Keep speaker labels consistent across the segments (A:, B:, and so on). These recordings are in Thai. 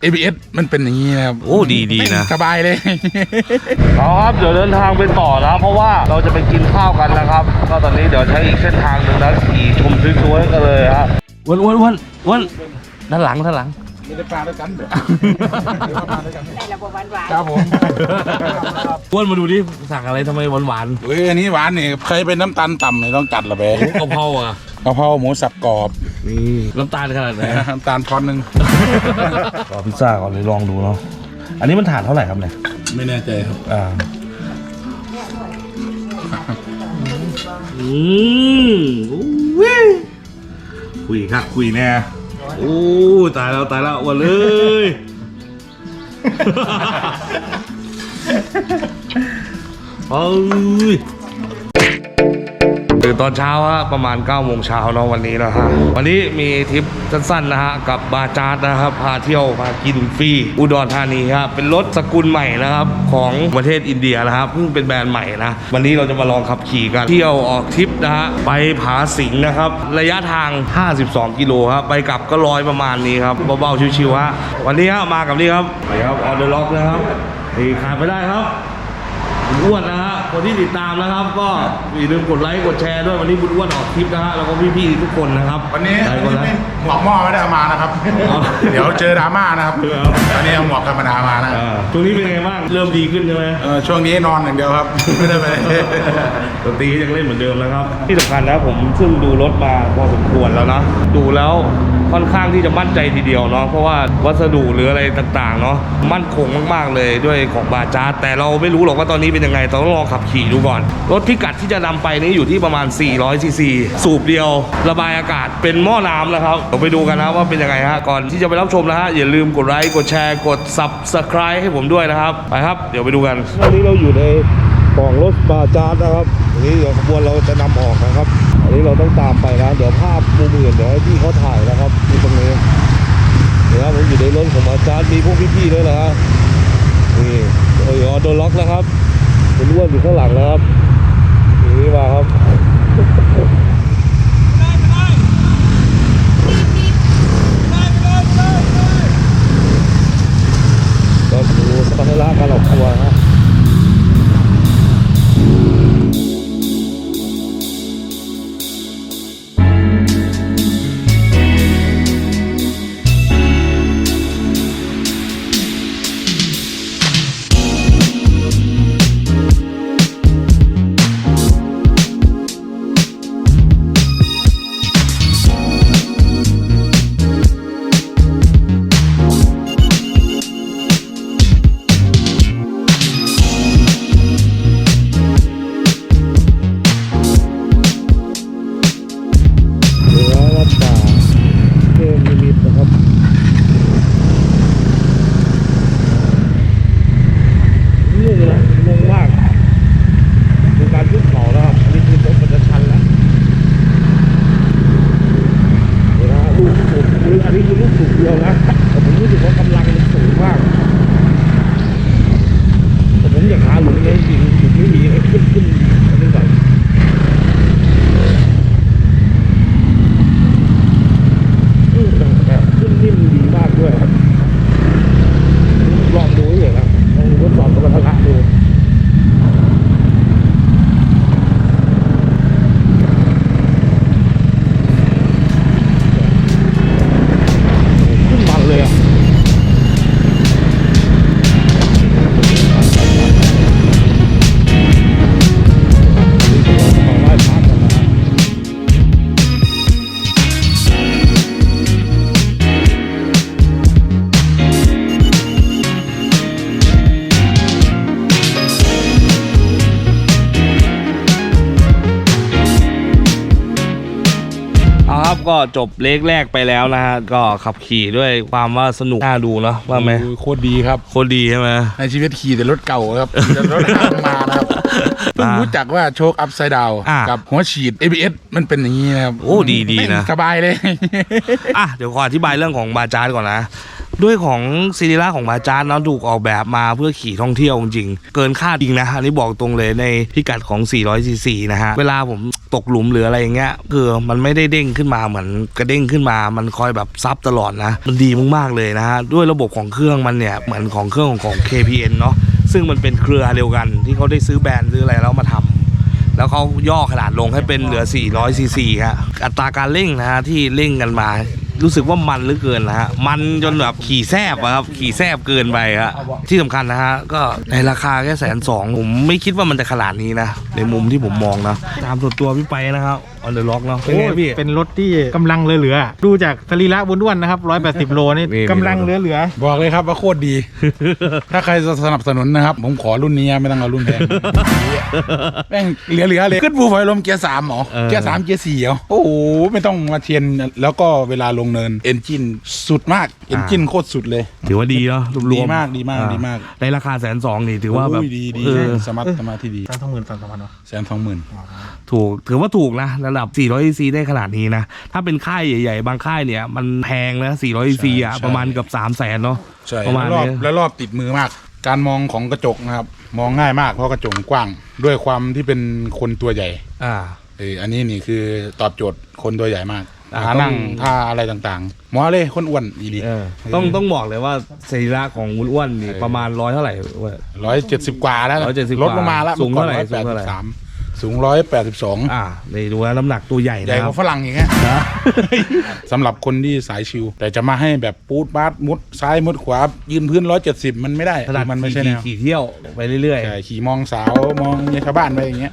A: ABS มันเป็นอย่างนี้นะครับ
B: โอ้ดีนะ
A: สบายเลย
B: เอาครับเดี๋ยวเดินทางไปต่อนะเพราะว่าเราจะไปกินข้าวกันนะครับก็ตอนนี้เดี๋ยวใช้อีกเส้นทางหนึ่งนะขี่ชมสวยๆกันเลยฮะวันด้านหลัง
A: ไม่ได้ปลาด้วยกันเดี๋ยวในระบบหวานๆครับผม
B: อ้วนมาดูดิสั่งอะไรทำไมหวาน
A: เฮ้ยอันนี้หวานนี่เคยเป็นน้ำตาลต่ำเลยต้องจัดละเบ้
B: กะเพราอ่ะ
A: กะเพราหมูสับกรอบ
B: นี่น้ำตาลขนาดไหน
A: น้ำตาลพอนหนึ่ง
B: ขอพิซซ่าก่อนเลยลองดูเนาะอันนี้มันถาดเท่าไหร่ครับเนี่ย
A: ไม่แน่ใจครับ
B: คุยครับคุยแน่โอ้ตายแล้ววันเลย เอ้ยตื่นตอนเช้าฮะประมาณ9 โมงเช้าเนาะวันนี้นะฮะวันนี้มีทริปสั้นๆนะฮะกับบาจาร์ดนะครับพาเที่ยวพากินฟรีอุดรธานีครับเป็นรถสกุลใหม่นะครับของประเทศอินเดียนะครับเพิ่งเป็นแบรนด์ใหม่นะวันนี้เราจะมาลองขับขี่กันเที่ยวออกทริปนะฮะไปผาสิงนะครับระยะทาง52 กิโลครับไปกลับก็100ประมาณนี้ครับเบาๆชิวๆฮะวันนี้ฮะมากับนี่ครับไปครับออเดอร์ล็อกนะครับนี่ขาดไปได้ครับบุญอ้วนนะฮะคนที่ติดตามนะครับก็อย่าลืมกดไลค์กดแชร์ด้วยวันนี้บุญอ้วนออกคลิปนะฮะแล้วก็พี่ๆทุกคนนะครับ
A: วันนี้
B: หลายคนนะ
A: หมวกหม้อไม่ได้เอามานะครับ เดี๋ยวเจอดราม่านะครับวันนี้เอาหมวกธรรมดามานะ
B: ช่วงนี้เป็นไงบ้างเริ่มดีขึ้นใช่ไหม
A: ช่วงนี้นอนอย่างเดียวครับ ไม่ได้ไป
B: ดนตรียังเล่นเหมือนเดิมนะครับที่สำคัญนะผมซึ่งดูรถมาพอสมควรแล้วนะดูแล้วค่อนข้างที่จะมั่นใจทีเดียวเนาะเพราะว่าวัสดุหรืออะไรต่างๆเนาะมั่นคงมากๆเลยด้วยของบาจาร์ดแต่เราไม่รู้หรอกว่าตอนนี้เป็นยังไงต้องลองขับขี่ดูก่อนรถพิกัดที่จะนำไปนี้อยู่ที่ประมาณ400 ซีซีสูบเดียวระบายอากาศเป็นหม้อน้ำนะครับเดี๋ยวไปดูกันนะว่าเป็นยังไงฮะก่อนที่จะไปรับชมนะฮะอย่าลืมกดไลค์กดแชร์กด Subscribe ให้ผมด้วยนะครับไปครับเดี๋ยวไปดูกันวันนี้เราอยู่ในของรถบาจาร์ดนะครับวันนี้เดี๋ยวขบวนเราจะนำออกนะครับอันนี้เราต้องตามไปนะเดี๋ยวภาพมุมอื่นเดี๋ยวให้พี่เขาถ่ายนะครับที่ตรงนี้เดี๋ยวผมอยู่ในรถของบาจาร์ดมีพวกพี่ๆด้วยนะฮะนี่โอ้ยโดนล็อกแล้วครับเป็นอ้วนอยู่ข้างหลังแล้วครับนี่มาครับก็ดูสปาร์ตาการออกตัวนะก็จบเลกแรกไปแล้วนะฮะก็ขับขี่ด้วยความว่าสนุกน่าดูเนาะว่าไหม
A: โคตรดีครับ
B: โคตรดีใช่ไหม
A: ในชีวิตขี่แต่รถเก่าครับแต่รถห้างมานะครับเพิ่งรู้จักว่าโชคอัพไซด์ดาวกับหัวฉีด ABS มันเป็นอย่างนี้นะครับ
B: โอ้ดีนะ
A: สบายเลย
B: เดี๋ยวขออธิบายเรื่องของบาจาร์ดก่อนนะด้วยของซีรีส์ของบาจาร์เนาะถูกออกแบบมาเพื่อขี่ท่องเที่ยวจริงๆเกินคาดจริงนะอันนี้บอกตรงเลยในพิกัดของ400 cc นะฮะเวลาผมตกหลุมหรืออะไรอย่างเงี้ยคือมันไม่ได้เด้งขึ้นมาเหมือนกระเด้งขึ้นมามันคอยแบบซับตลอดนะมันดีมากๆเลยนะฮะด้วยระบบของเครื่องมันเนี่ยเหมือนของเครื่องของ KPN เนาะซึ่งมันเป็นเครือเดียวกันที่เขาได้ซื้อแบรนด์ซื้ออะไรแล้วมาทำแล้วเขาย่อขนาดลงให้เป็นเหลือ400 cc ฮะอัตราการเร่งนะฮะที่เร่งกันมารู้สึกว่ามันเหลือเกินนะฮะมันจนแบบขี่แซบอะครับขี่แซบเกินไปฮะที่สำคัญนะฮะก็ในราคาแค่120,000ผมไม่คิดว่ามันจะขนาดนี้นะในมุมที่ผมมองนะตามส่วนตัวพี่ไปนะครับออนเดอะล็อกเนาะเป็นไงพี่
C: เป็นรถที่กำลังเหลือๆดูจากสรีระอ้วนๆนะครับ180 โลนี่กำลังเหลือ
A: บอกเลยครับว่าโคตรดี ถ้าใครจะสนับสนุนนะครับผมขอรุ่นนี้ไม่ต้องเอารุ่นแพงแม่งเหลือเลยขึ้นภูไฟลมเกียร์3หรอเกียร์3เกียร์4เหรอโอ้โหไม่ต้องมาเทียนแล้วก็เวลาลงเนินเอนจินสุดมากเอนจินโคตรสุดเลย
B: ถือว่าดีเนาะรวม
A: ดีมากดีมากดีมาก
B: ในราคา120,000นี่ถือว่าแบบ
A: ดีสมาร์ทที่ดี
C: 120,000เนาะ
A: 120,000
B: ถูกถือว่าถูกนะระดับ400 cc ได้ขนาดนี้นะถ้าเป็นค่ายใหญ่ๆบางค่ายเนี่ยมันแพงนะ400 cc อ่ะประมาณเกือบ300,000เนาะ
A: ใช่
B: ประมาณนี้
A: แล้วรอบติดมือมากการมองของกระจกนะครับมองง่ายมากเพราะกระจกกว้างด้วยความที่เป็นคนตัวใหญ่อันนี้นี่คือตอบโจทย์คนตัวใหญ่มากท่านั่งท่าอะไรต่างๆหมอเลยคนอ้วนอีดี
B: ต้องบอกเลยว่าสรีระของวุ้นอ้วนนี่ประมาณ100เท่าไหร่
A: 170กว่าแล้วลดลงมาแล้ว
B: สูงเท่าไหร่
A: สูง182
B: นี่ดูว่าน้ำหนักตัวใหญ่
A: ใหญ่กว่าฝรั่งอย่างเงี้ยสำหรับคนที่สายชิวแต่จะมาให้แบบปูดบาสมุดซ้ายมุดขวายืนพื้น170มันไม่ได้มันไม่ใช่แนว
B: ขี่เที่ยวไปเรื่อย
A: ๆขี่มองสาวมองชาวบ้านไปอย่างเงี้ย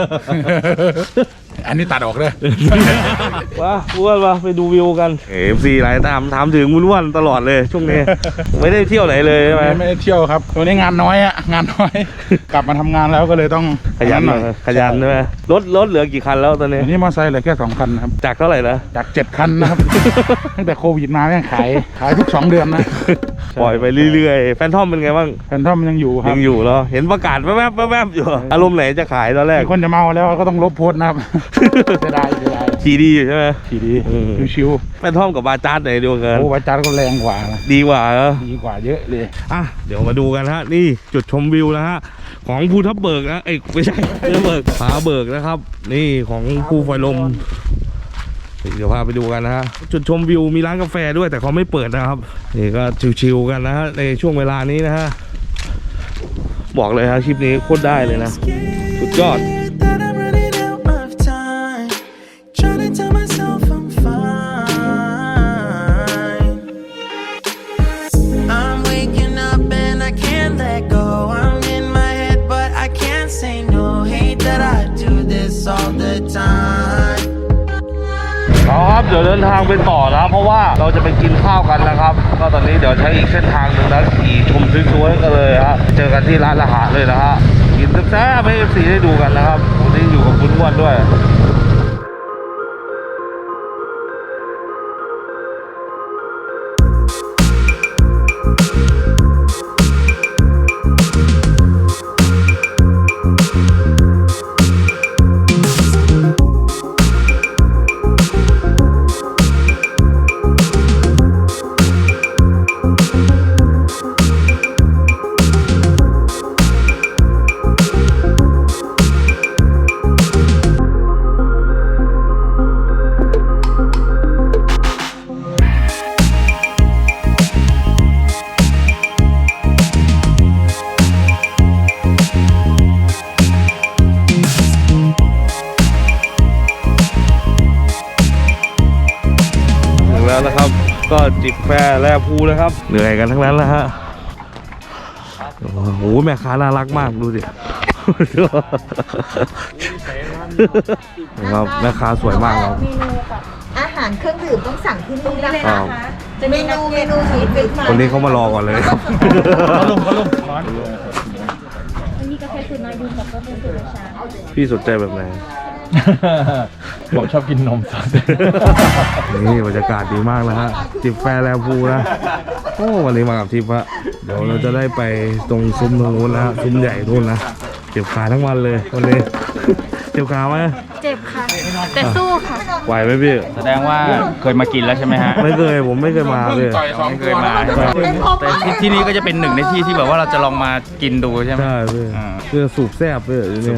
A: อันนี้ตัดออกเลย
B: ว้าอ้วนมาไปดูวิวกันFC หลายถามถึงวุ้นอ้วนตลอดเลยช่วงนี้ไม่ได้เที่ยวไหนเลยใช่ไหม
A: ไม่ได้เที่ยวครับตัวนี้งานน้อยอะงานน้อยกลับมาทำงานแล้วก็เลยต้อง
B: ขยันหน่อยขยันใช่ไหมรถเหลือกี่คันแล้วตอนนี้
A: มอเตอร์ไซค์เหลือแค่2 คันครับ
B: จากเท่าไหร่นะ
A: จาก7 คันนะครับตั้งแต่โควิดมาแม่งขายทุก2 เดือนนะ
B: ปล่อยไปเรื่อยๆแฟนทอมเป็นไงบ้าง
A: แฟนทอมยังอยู่ครับ
B: ยังอยู่เหรอเห็นประกาศแวบๆอยู่อารมณ์ไหนจะขายตอนแรก
A: คนจะเมาแล้วก็ต้องลบโพสต์นะครับจะได้
B: ขี่ดีอยู่ใช่ไหม
A: ขี่ดีชิว
B: ๆแฟนทอมกับบาจาร์ดไหนดีกว่ากัน
A: โอ้บาจาร์ดก็แรงกว่า
B: ดีกว่า
A: ดีกว่าเยอะเลย
B: เดี๋ยวมาดูกันฮะนี่จุดชมวิวนะฮะของภูทับเบิกนะไม่ใช่ภูทับเบิกผาเบิกนะครับนี่ของภูไฟลมเดี๋ยวพาไปดูกันนะฮะจุดชมวิวมีร้านกาแฟด้วยแต่เขาไม่เปิดนะครับนี่ก็ชิวๆกันนะฮะในช่วงเวลานี้นะฮะบอกเลยฮะคลิปนี้โคตรได้เลยนะสุดยอดครับเดี๋ยวเดินทางไปต่อนะเพราะว่าเราจะไปกินข้าวกันนะครับก็ตอนนี้เดี๋ยวใช้อีกเส้นทางหนึ่งนะขี่ชมสวยๆกันเลยฮะเจอกันที่ร้านอาหารเลยนะฮะกินแซ่บๆให้ FC ได้ดูกันนะครับวันนี้อยู่กับคุณอ้วนด้วยนะครับก็จิบแฟแลภูนะครับเหนื่อยกันทั้งนั้นแล้วฮะโอ้โหแม่ค้าน่ารักมากดูสิครับแม่ค้าสวยมากครับ
D: เมนูกับอาหารเครื่องดื่มต้องสั่งที่นี่นะคะจะเมนูชีสเป็น
B: คนนี้เขามารอก่อนเลยครับ
C: เขาลงร้อน
D: มีกาแฟสูตรน้อยดูกับกาแฟสูตรชา
B: พี่สนใจแบบไหน
C: ผมชอบกินนมสด
B: นี่บรรยากาศดีมากนะฮะจิบแฟแลภูนะโอ้วันนี้มากับทิพย์ฮะเดี๋ยวเราจะได้ไปตรงซุ้มตรงนู้นนะซุ้มใหญ่นู่นนะเจ็บขาทั้งวันเลยวันนี้เจ็บขาไหม
D: เจ็บค่ะ
E: แต่สู้ค่ะ
B: ไหวไหมพี่
C: แสดงว่าเคยมากินแล้วใช่ไหมฮะ
B: ไม่เคยผมไม่เคยมาพี่
A: ต่อยสอง
C: ไม่เค
A: ตัวย
C: มาใช่ไหมแต่ที่นี่ก็จะเป็นหนึ่งในที่ที่แบบว่าเราจะลองมากินดูใช่ไหม
B: ใช่พี่
C: อ่า
B: เพื่อสูบแซ่บพี่เนี่ย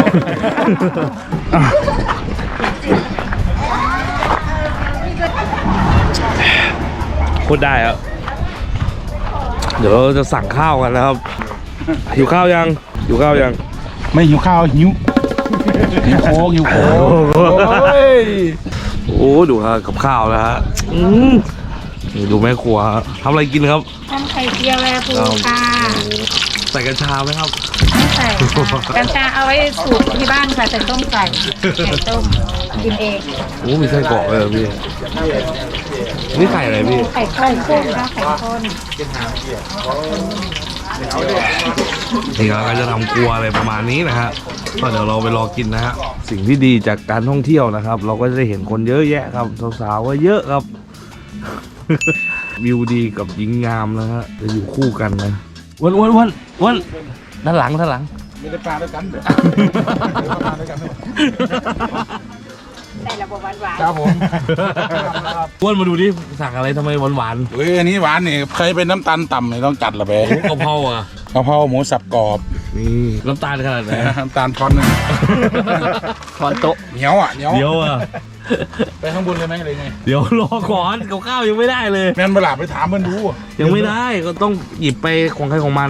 B: โคตรได้ครับเดี๋ยวเราจะสั่งข้าวกันนะครับหิวข้าวยังหิวข้าวยัง
A: ไม่หิวข้าวหิวโค้กหิวโค้กโอ้ย
B: โอ้ดูฮะกับข้าวนะฮะนี่ดูแม่ครัวฮะทำอะไรกินครับ
E: ทำไข่เจียวแวร์พูค่ะ
B: ใส่กัญชาไหมครับ
E: ไม่ใส่ค่ะกัญชาเอาไว้สูตรที่บ้านค่ะใส่ต้มไก่ไข่ต้มกินเอง
B: โอ้มีไส้กรอกเลยเหรอพี่นี่ไข่อะไรพี่
E: ไข่ข้นกุ้งค่ะไข่ข้น
B: นี่เราก็จะทำครัวอะไรประมาณนี้นะฮะก็เดี๋ยวเราไปรอกินนะฮะสิ่งที่ดีจากการท่องเที่ยวนะครับ เราก็จะได้เห็นคนเยอะแยะครับสาวๆก็เยอะครับ วิวดีกับหญิงงามนะฮะจะอยู่คู่กันนะวันด้านหลัง
A: ไม่ได้ปลาด้วยกันเดี๋ยวปลาด้วยกัน
E: ใส่ระบบหวาน
A: ครับผม
B: อ้วนมาดูดิสั่งอะไรทำไมหวาน
A: เฮ้ยอันนี้หวานนี่ใครเป็นน้ำตาลต่ำเนี่ยต้องจัดละไป
B: ๆกะเพราอ่ะ
A: กะเพราหมูสับกรอบ
B: นี่น้ำตาลขนาดไหน
A: น้ำตาลช้อนหนึง
C: ช้อนโต๊ะ
A: เหนียวอ่ะเหนียว
B: เดี๋ยวอ่ะ
A: ไปข้างบนเลยไหมเลยไง
B: เดี๋ยวรอก่อนกับข้าวยังไม่ได้เลย
A: แม่นเวลาไปถามเพื่อนดู
B: ยังไม่ได้ก็ต้องหยิบไปของใครของมัน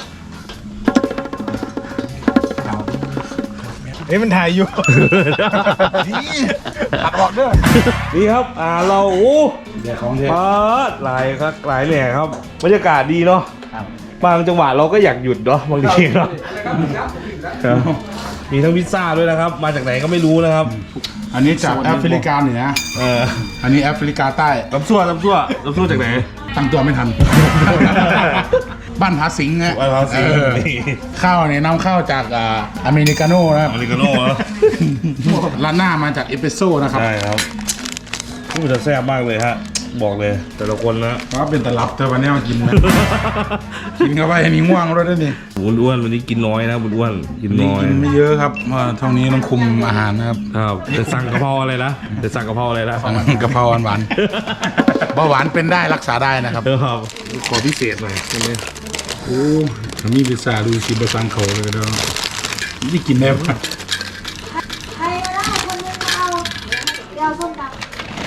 C: เฮ้ยมันถ่ายอยู่
A: นี่ตัดออกเด้อ
B: นี่ครับเราโอ้
A: เดี๋ยวของเท
B: ปาดหลายครับหลายเนี่ยครับบรรยากาศดีเนาะบางจังหวะเราก็อยากหยุดเนาะบางทีเนาะครับมีทั้งพิซซ่าด้วยนะครับ มาจากไหนก็ไม่รู้นะครับ
A: อันนี้จากแอฟริกาเหนือ อันนี้แอฟริกาใต้
B: ลำซั่วจากไหน
A: ตั้งตัวไม่ทัน บ้านผาสิงห์นะ
B: บ้านผาสิงห์
A: เออ
B: นี่
A: ข้าวเนี่ยนำเข้าจากอเมริกาโน่นะครับ
B: อเมริกาโน่เหรอ
A: ร้านหน้ามาจากเอสเปรสโซ่นะครับ
B: ใช่ครับพูดจะแซ่บมากเลยฮะบอกเลยแต่ละคนนะ
A: เพราะเป็นตลับเธอวันนี้มากินนะ กินเข้าไปมีง่วงด้วยนี่
B: บุญอ้วนวันนี้กินน้อยนะบุญอ้วนกิน
A: นี่
B: น้อย
A: กินไม่เยอะครับเพราะเท่านี้ต้องคุมอาหารนะครับ
B: ครับแต่สั่งกะเพราอะไรนะแต่สั่งกะเพราอะไรนะ
A: กะเพราหวานๆเบาหวานเป็นได้รักษาได้นะครับ
B: ครับขอพิเศษหน่อยใช่ไหม
A: โอ้มีพิซซ่าดูชิบะซังเขาเลยแล้วนี่กินได้ปะ
D: ใครก็ได้คนนึงเอาเดี๋ยวส้มตำ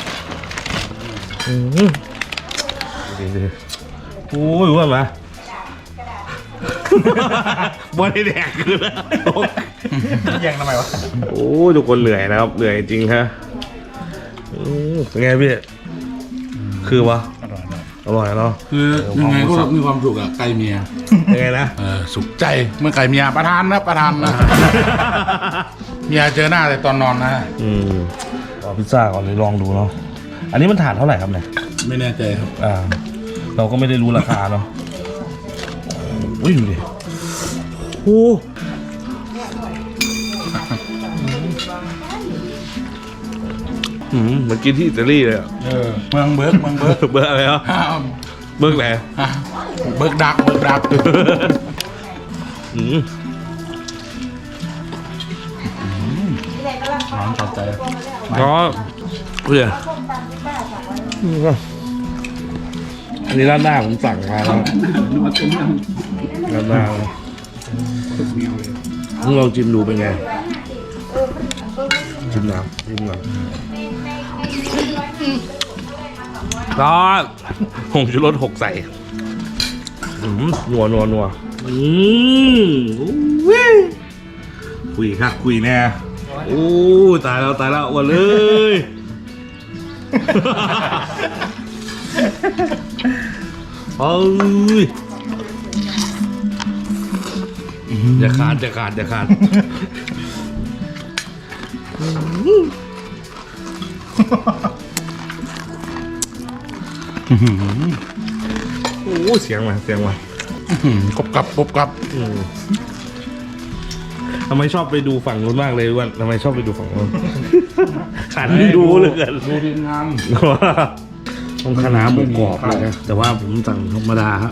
B: โอ้ยอ้วนมาบอลแดกคือแล้ว
C: แย่งทำไมวะ
B: โอ้ยทุกคนเหนื่อยนะครับเหนื่อยจริงฮะเป็นไงพี่คือวะอร่อยเนาะ
A: คือยังไงก็มีความสุขอะไก่เมีย
B: ยังไงนะ
A: สุขใจเมื่อไก่เมียประทานนะประทานนะเมียเจอหน้าแต่ตอนนอนนะ
B: เอาพิซซ่าก่อนเลยลองดูเนาะอันนี้มันถาดเท่าไหร่ครับเนี่ย
A: ไม่แน่ใจครับ
B: เราก็ไม่ได้รู้ราคาเนาะโอ้ยดูดิโอ้เหมือนกินที่อิตาลีเลยอะ
A: เมืองเบิร์กเมืองเบิร์ก
B: เบอร์อะไรครับเบอร์ไหน
A: เบิร์กดักเบิร์กดัก ร้อนชอบใจ
B: ก็เพื่ออันนี้ร้านหน้าผมสั่งมาแล้วร้านหน้ามึงลองชิมดูเป็นไงชิมน้ำก็ผงชูรส6ใส่นัวคุยครับคุยแน่โอ้ตายแล้วอ้วนเลยเฮ้ยอย่าขาดโอ้เสียงมา
A: กบกับ
B: ทำไมชอบไปดูฝั่งนู้นมากเลยอ้วนทำไมชอบไปดูฝั่งนู้นขันดูเลยกัน
A: ดูดีงาม
B: ต้องคณะหมูกรอบเลยนะแต่ว่าผมสั่งธรรมดาฮะ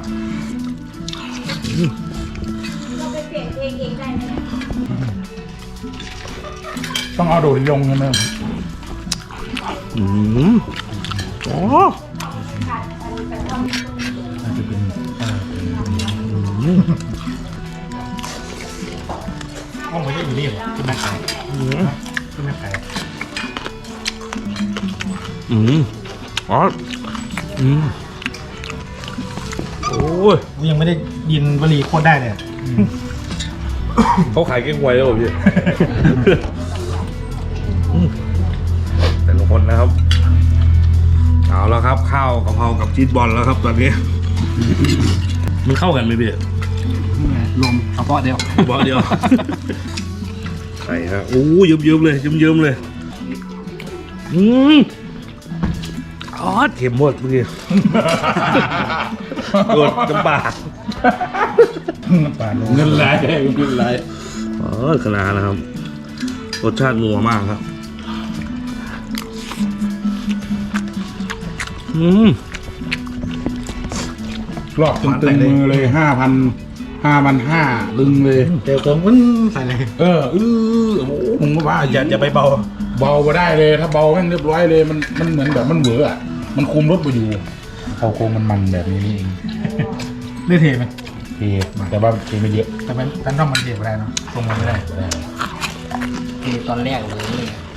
D: เราไปเปลี่ยนเพลงเองได้ไหม
A: ต้องเอาโดดยงกันนะ
B: ออ๋อ
C: ห้องมันจะอยู่นี่เหรอขึ้นมาขายขึ้นมาขาย
B: อ๋อโอ้ย
C: กูยังไม่ได้ยินวลีโคตรได้เลย
B: เขาขายเก้งหวยแล้วเหรอพี่ แต่ละคนนะครับ เอาแล้วครับข้าวกะเพรากับชีสบอลแล้วครับตอนนี้ มันเข้ากันไหมพี่
C: รวมเฉพาะเดียว
B: บอเดียว ใส่ครับโอ้ยเยิ้มๆเลยเยิ้มๆเลยอ๋อเข็มหมดเมื่อกี้ โดดน้ำปลา
A: เงินไหลเงินไหล
B: คณะนะครับรสชาตินัวมากครับ
A: รอบตึงมือเลย5,500ลึงเลย
C: เดี๋ยวผมมันใส่เลย
A: โอ้ผมก็ว่า
C: อย่าไปเบา
A: เบาไปได้เลยถ้าเบาแม่งเรียบร้อยเลยมันเหมือนแบบมันเหวออะมันคุมรถไปอยู่เขาโค้งมันแบบนี้นี่เอง
C: เลือดเทไหม
A: เทแต่ว่าเทไม่เยอะ
C: แต่มันด้านนอกมันเทไม่ได้เนาะทรงมันไม่ได้
F: ตอนแรกเลย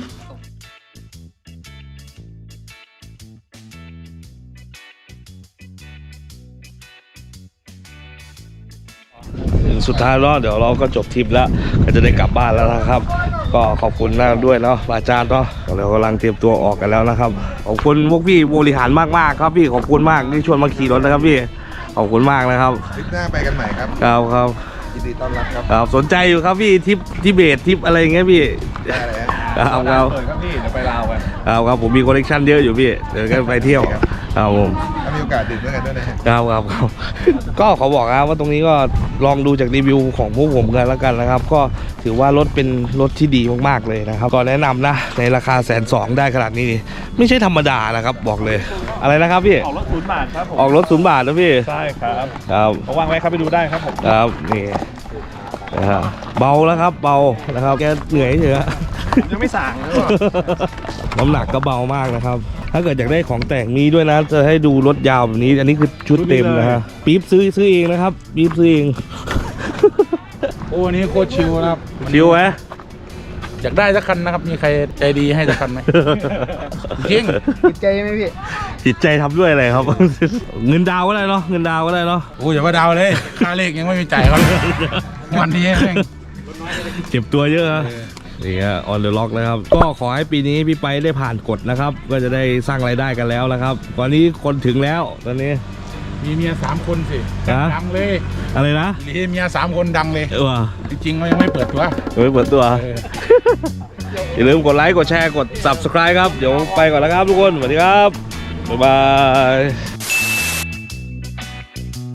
B: ถึงสุดท้ายแล้วเดี๋ยวเราก็จบทริปแล้วก็จะได้กลับบ้านแล้วนะครับ ก็ขอบคุณนะด้วยเนาะอาจารย์เนาะเรากำลังเตรียมตัวออกกันแล้วนะครับขอบคุณพวกพี่บริหารมากๆครับพี่ขอบคุณมากที่ชวนมาขี่รถนะครับพี่ขอบคุณมากนะครับ
G: ทริปหน้าไปกันใหม่ครับ
B: ครับ
G: ยินดีต้อนรับครับ
B: ครับสนใจอยู่ครับพี่ทริปทิเบตทริปอะไรอย่างเงี้ยพี่
G: ได้เลยฮะ
B: ครับ
G: เปิดครับพี่ เดี๋ยวไปลาวกัน
B: ครับผมมีคอลเลกชันเยอะอยู่พี่เดี๋ยวก็ไปเที่ยวครับผม
G: ถ้ามีโอกาสดื่มด้วยกันด้วยนะฮะ
B: ครับ ก็ขอบอกนะว่าตรงนี้ก็ลองดูจากรีวิวของพวกผมกันแล้วกันนะครับ ก็ถือว่ารถเป็นรถที่ดีมากๆเลยนะครับก็แนะนำนะในราคา120,000ได้ขนาดนี้นี่ไม่ใช่ธรรมดานะครับบอกเลยอะไรนะครับพี่
C: ออกรถ0 บาทครับผม
B: ออกรถ0 บาทนะพี่
C: ใช่ครับ
B: ครับ
C: วางไว้ครับไปดูได้ครับผม
B: ครับนี่นะฮะเบาแล้วครับเบานะครับแกเหนื่อยเฉยๆ
C: ยังไม่สั่งเลย
B: น้ำหนักก็เบามากนะครับ ถ้าเกิดอยากได้ของแต่งมีด้วยนะ จะให้ดูรถยาวแบบนี้ อันนี้คือชุดเต็มนะฮะ ปี๊บซื้อเองนะครับ ปี๊บซื้อเอง
A: โอ้อันนี้โคตรชิวนะครับ
B: ชิวไหม
A: อยากได้สักคันนะครับ มีใครใจดีให้สักคันไหม จริง
F: ติดใจไหมพี่
B: จิตใจทำด้วยอะไรครับ เงินดาวก็ได้เนาะ เงินดาวก็ได้เนาะ
A: โอ้อย่ามาดาวเลย ค่าเลขยังไม่มีจ่ายเขาเลยวันนี้แม่ง
B: เจ็บตัวเยอะนะนี่ฮะออนเดอะล็อกนะครับ ก็ขอให้ปีนี้พี่ไปได้ผ่านกฎนะครับ ก็จะได้สร้างรายได้กันแล้วนะครับ ตอนนี้คนถึงแล้วตอนนี้
A: มีเมีย3 คนสิ
B: ฮะ
A: ดังเลย
B: อะไรนะ
A: มีเมีย3 คนดังเลย
B: ว่ะ
A: จริงๆเขายังไม่เปิดตัว
B: ไม่เปิดตัว
A: เออ
B: อย่าลืมกดไลค์ กดแชร์ กด subscribe ครับ เดี๋ยวไปก่อนแล้วครับทุกคน สวัสดีครับ บ๊ายบาย